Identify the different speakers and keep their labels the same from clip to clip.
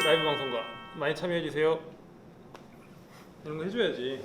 Speaker 1: 라이브 방송과 많이 참여해주세요. 이런 거 해줘야지.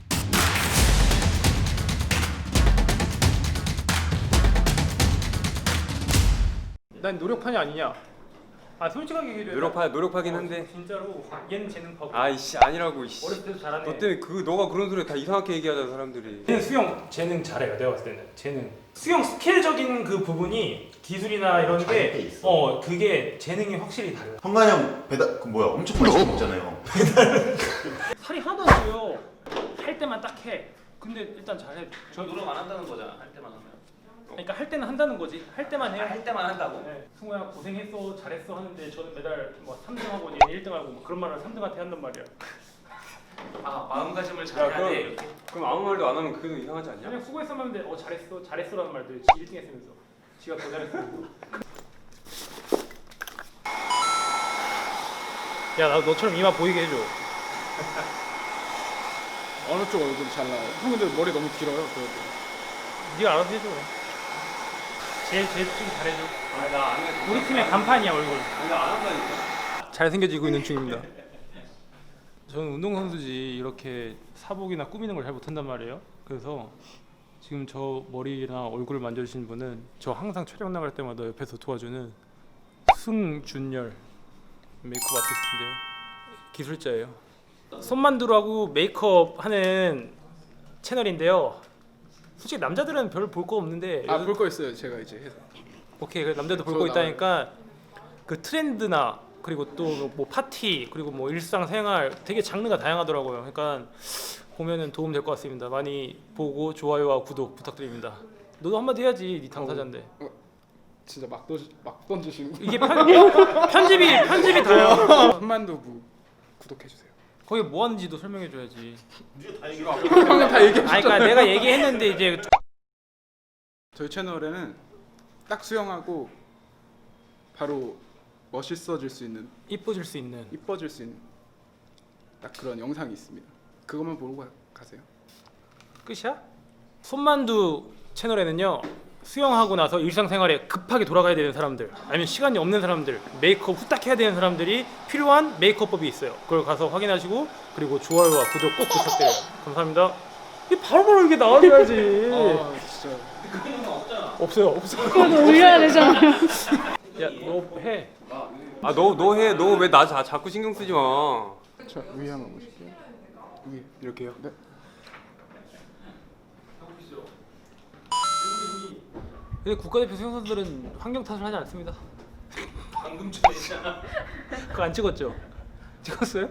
Speaker 1: 난 노력파냐 아니냐? 아 솔직하게 얘기해.
Speaker 2: 노력하긴 한데.
Speaker 1: 진짜로 얘는 재능파고.
Speaker 2: 아이씨 아니라고 이씨.
Speaker 1: 어렸을 때도 잘하네.
Speaker 2: 너 때문에 너가 그런 소리 다 이상하게 얘기하잖아 사람들이.
Speaker 1: 얘는 수영 재능 잘해요. 내가 봤을 때는 재능. 수영 스킬적인 그 부분이 기술이나 이런 게 그게 재능이 확실히 달라.
Speaker 3: 현관이 형 배달 그 뭐야 엄청 맛있게 먹잖아요.
Speaker 1: 살이 하나도 안 쪄요. 할 때만 딱 해. 근데 일단 잘해.
Speaker 4: 저 노력 안 한다는 거잖아. 할 때만 하면.
Speaker 1: 그러니까 할 때는 한다는 거지. 할 때만 해.
Speaker 4: 할 때만 한다고.
Speaker 1: 네. 승우야 고생했어, 잘했어 하는데 저는 매달 뭐 3등하고 얘는 1등하고 뭐 그런 말을 3등한테 한단 말이야.
Speaker 4: 아 마음가짐을 잘해야 돼. 이렇게.
Speaker 2: 그럼 아무 말도 안 하면 그게 이상하지 않냐?
Speaker 1: 그냥 수고했어 하는데 잘했어, 잘했어라는 말들 1등 했으면서 지가 더 잘했어. 야, 나 너처럼 이마 보이게 해줘.
Speaker 5: 어느 쪽 얼굴이 잘 나와요? 형 근데 머리 너무 길어요. 그래도.
Speaker 1: 네가 알아서 해줘. 제일 좀 잘해줘.
Speaker 2: 아나안 해.
Speaker 1: 우리 팀의 간판이야 얼굴.
Speaker 2: 나안 한다니까.
Speaker 1: 잘생겨지고 있는 중입니다. 저는 운동선수지 이렇게 사복이나 꾸미는 걸 잘 못한단 말이에요. 그래서 지금 저 머리나 얼굴을 만져주신 분은 저 항상 촬영 나갈 때마다 옆에서 도와주는 승준열 메이크업 아티스트인데요. 기술자예요. 손만두라고 메이크업 하는 채널인데요. 솔직히 남자들은 별 볼 거 없는데
Speaker 5: 볼 거 있어요. 제가 이제 해서.
Speaker 1: 오케이, 그래, 남자도 볼 거 있다니까 그 트렌드나 그리고 또 뭐 파티 그리고 뭐 일상생활 되게 장르가 다양하더라고요. 그러니까 보면은 도움 될 것 같습니다. 많이 보고 좋아요와 구독 부탁드립니다. 너도 한마디 해야지, 네 당사자인데.
Speaker 5: 진짜 막 던지시고.
Speaker 1: 이게 편집이 다요.
Speaker 5: 한만두부 구독해 주세요.
Speaker 1: 거기 뭐 하는지도 설명해 줘야지.
Speaker 5: 형은 다 얘기해.
Speaker 1: 아니 그러니까 내가 얘기했는데 이제
Speaker 5: 저희 채널에는 딱 수영하고 바로 멋있어질 수 있는,
Speaker 1: 이뻐질 수 있는
Speaker 5: 이뻐질 수 있는 딱 그런 영상이 있습니다. 그것만 보고 가세요.
Speaker 1: 끝이야? 손만두 채널에는요, 수영하고 나서 일상생활에 급하게 돌아가야 되는 사람들, 아니면 시간이 없는 사람들, 메이크업 후딱 해야 되는 사람들이 필요한 메이크업법이 있어요. 그걸 가서 확인하시고 그리고 좋아요와 구독 꼭 부탁드려요. 감사합니다. 이 바로바로 이게 나와줘야지.
Speaker 5: 진짜.
Speaker 1: 없어요.
Speaker 6: 그래도 올려야 되잖아요.
Speaker 1: 야, 너 해.
Speaker 2: 너 해. 너 왜 나 자꾸 신경 쓰지 마.
Speaker 5: 자 위에 한번 보실게요. 위에.
Speaker 2: 이렇게요?
Speaker 5: 네.
Speaker 1: 근데 국가대표 수영 선수들은 환경 탓을 하지 않습니다.
Speaker 4: 방금 전에 있잖아.
Speaker 1: 그거 안 찍었죠? 찍었어요?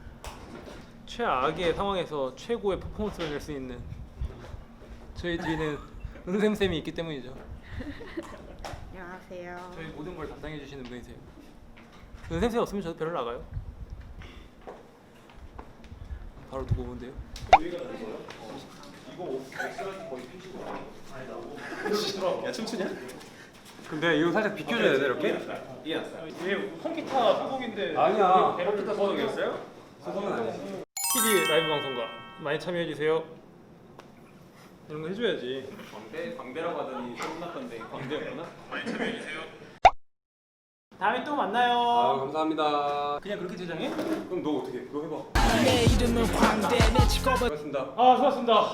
Speaker 1: 최악의 상황에서 최고의 퍼포먼스를 낼 수 있는 저희 뒤에는 은샘쌤이 있기 때문이죠.
Speaker 6: 안녕하세요.
Speaker 1: 저희 모든 걸 담당해 주시는 분이세요. 은샘쌤 없으면 저도 별로 나가요. 바로 두고 오는데요.
Speaker 2: 근데 이거 살짝 비켜줘야 돼 이렇게?
Speaker 1: 얘 통기타 소속인데
Speaker 2: 아니야.
Speaker 1: 통기타 소속이었어요?
Speaker 2: 소송은 아니지.
Speaker 1: TV 라이브 방송과 많이 참여해 주세요. 이런 거 해줘야지.
Speaker 4: 광대라고 하더니 소문났던데 광대였구나.
Speaker 1: 다음에 또 만나요.
Speaker 2: 아 감사합니다.
Speaker 1: 그냥 그렇게 제장해?
Speaker 2: 그럼 너 어떻게? 너 해봐. 내 이름은 광대. 고맙습니다.
Speaker 1: 아, 수고하셨습니다.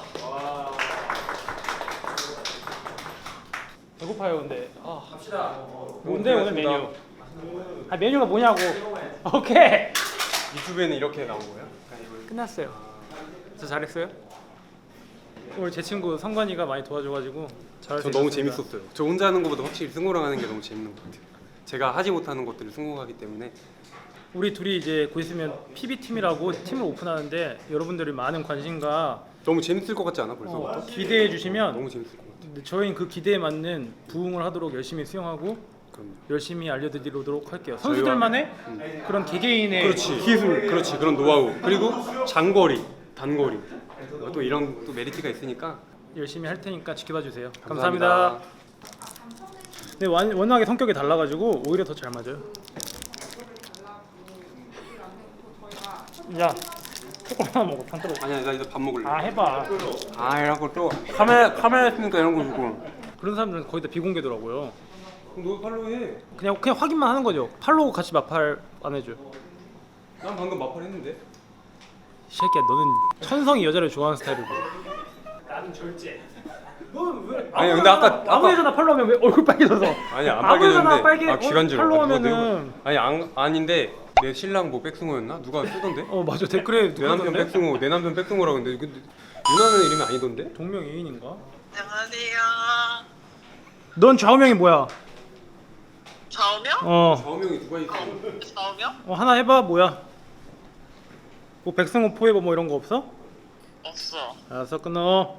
Speaker 1: 배고파요, 근데.
Speaker 4: 갑시다.
Speaker 1: 뭔데 오늘 메뉴? 아, 메뉴가 뭐냐고. 오케이.
Speaker 2: 유튜브에는 이렇게 나온 거야?
Speaker 1: 끝났어요. 저 잘했어요? 오늘 제 친구 성관이가 많이 도와줘가지고 잘할 수
Speaker 2: 저 너무
Speaker 1: 있었습니다.
Speaker 2: 재밌었어요. 저 혼자 하는 것보다 확실히 승호랑 하는 게 너무 재밌는 것 같아요. 제가 하지 못하는 것들을 승호가 하기 때문에.
Speaker 1: 우리 둘이 이제 곧 있으면 PB 팀이라고 팀을 오픈하는데 여러분들이 많은 관심과
Speaker 2: 너무 재밌을 것 같지 않아 벌써부터?
Speaker 1: 기대해 주시면
Speaker 2: 너무 재밌을 것 같아.
Speaker 1: 저희는 그 기대에 맞는 부응을 하도록 열심히 수영하고
Speaker 2: 그럼요.
Speaker 1: 열심히 알려드리도록 할게요. 선수들만의 그런 개개인의
Speaker 2: 그렇지 기술, 그렇지 그런 노하우 그리고 장거리, 단거리 또 이런 또 메리트가 있으니까
Speaker 1: 열심히 할 테니까 지켜봐 주세요.
Speaker 2: 감사합니다.
Speaker 1: 감사합니다. 근데 워낙에 성격이 달라가지고 오히려 더 잘 맞아요. 야, 초콜릿 하나 먹어. 반 떨어져.
Speaker 2: 아니야 나 이제 밥 먹을래.
Speaker 1: 아, 해봐.
Speaker 2: 이런 것도 카메라 있으니까 이런 거 주고.
Speaker 1: 그런 사람들은 거의 다 비공개더라고요.
Speaker 2: 그럼 너 팔로우 해.
Speaker 1: 그냥 확인만 하는 거죠. 팔로우 같이 마팔 안 해줘.
Speaker 2: 난 방금 마팔 했는데.
Speaker 1: 이 새끼야 너는 천성이 여자를 좋아하는 스타일이고 나는 절제. 너는 왜?
Speaker 2: 아니, 근데 아까
Speaker 1: 여자나 팔로 하면 왜 얼굴 빨개져서?
Speaker 2: 아니 안
Speaker 1: 아무 여자나
Speaker 2: 빨개졌는데
Speaker 1: 빨개
Speaker 2: 기관지로
Speaker 1: 팔로 하면은
Speaker 2: 아니 아닌데 내 신랑 뭐 백승호였나? 누가 쓰던데?
Speaker 1: 맞아 댓글에
Speaker 2: 내
Speaker 1: 누가
Speaker 2: 남편
Speaker 1: 썼는데?
Speaker 2: 백승호 내 남편 백승호라고 근데 누나는 이름이 아니던데?
Speaker 1: 동명이인인가?
Speaker 7: 안녕하세요.
Speaker 1: 넌 좌우명이 뭐야?
Speaker 7: 좌우명?
Speaker 2: 좌우명이 누가 있어?
Speaker 7: 좌우명?
Speaker 1: 하나 해봐 뭐야? 뭐 백승호 포에버 뭐 이런 거 없어?
Speaker 7: 없어.
Speaker 1: 알았어 끊어.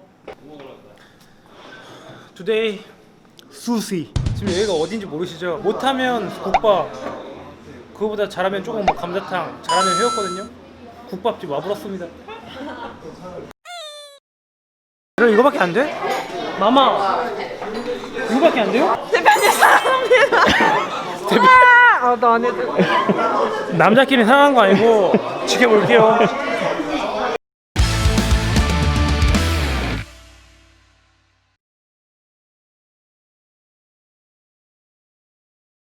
Speaker 1: Today 수시. 지금 여기가 어딘지 모르시죠? 못하면 국밥. 그거보다 잘하면 조금 뭐 감자탕. 잘하면 회였거든요. 국밥집 와불었습니다. 그럼 이거밖에 안 돼? 마마. 이거밖에 안 돼요?
Speaker 6: 대표님 사랑합니다. 나안 해도.
Speaker 1: 남자끼리 상한 거 아니고 지켜볼게요.